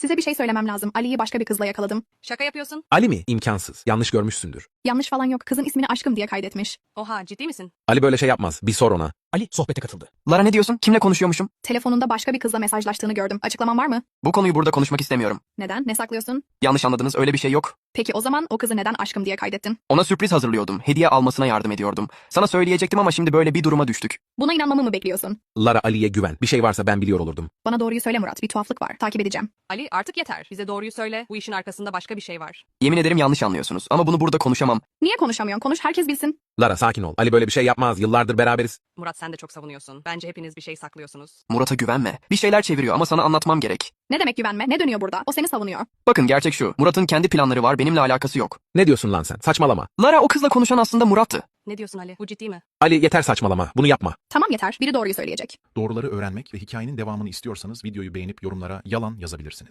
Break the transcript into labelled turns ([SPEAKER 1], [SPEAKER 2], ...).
[SPEAKER 1] Size bir şey söylemem lazım. Ali'yi başka bir kızla yakaladım.
[SPEAKER 2] Şaka yapıyorsun.
[SPEAKER 3] Ali mi? İmkansız. Yanlış görmüşsündür.
[SPEAKER 1] Yanlış falan yok. Kızın ismini aşkım diye kaydetmiş.
[SPEAKER 2] Oha, ciddi misin?
[SPEAKER 3] Ali böyle şey yapmaz. Bir sor ona.
[SPEAKER 4] Ali sohbete katıldı.
[SPEAKER 5] Lara ne diyorsun? Kimle konuşuyormuşum?
[SPEAKER 1] Telefonunda başka bir kızla mesajlaştığını gördüm. Açıklaman var mı?
[SPEAKER 5] Bu konuyu burada konuşmak istemiyorum.
[SPEAKER 1] Neden? Ne saklıyorsun?
[SPEAKER 5] Yanlış anladınız, öyle bir şey yok.
[SPEAKER 1] Peki o zaman o kızı neden aşkım diye kaydettin?
[SPEAKER 5] Ona sürpriz hazırlıyordum. Hediye almasına yardım ediyordum. Sana söyleyecektim ama şimdi böyle bir duruma düştük.
[SPEAKER 1] Buna inanmamı mı bekliyorsun?
[SPEAKER 3] Lara Ali'ye güven. Bir şey varsa ben biliyor olurdum.
[SPEAKER 1] Bana doğruyu söyle Murat. Bir tuhaflık var. Takip edeceğim.
[SPEAKER 2] Ali, artık yeter. Bize doğruyu söyle. Bu işin arkasında başka bir şey var.
[SPEAKER 5] Yemin ederim yanlış anlıyorsunuz ama bunu burada konuşamam.
[SPEAKER 1] Niye konuşamıyorsun? Konuş, herkes bilsin.
[SPEAKER 3] Lara sakin ol. Ali böyle bir şey yapmaz. Yıllardır beraberiz.
[SPEAKER 2] Murat, sen de çok savunuyorsun. Bence hepiniz bir şey saklıyorsunuz.
[SPEAKER 5] Murat'a güvenme. Bir şeyler çeviriyor ama sana anlatmam gerek.
[SPEAKER 1] Ne demek güvenme? Ne dönüyor burada? O seni savunuyor.
[SPEAKER 5] Bakın gerçek şu. Murat'ın kendi planları var, benimle alakası yok.
[SPEAKER 3] Ne diyorsun lan sen? Saçmalama.
[SPEAKER 5] Lara o kızla konuşan aslında Murat'tı.
[SPEAKER 2] Ne diyorsun Ali? Bu ciddi mi?
[SPEAKER 3] Ali yeter saçmalama. Bunu yapma.
[SPEAKER 1] Tamam yeter. Biri doğruyu söyleyecek.
[SPEAKER 4] Doğruları öğrenmek ve hikayenin devamını istiyorsanız videoyu beğenip yorumlara yalan yazabilirsiniz.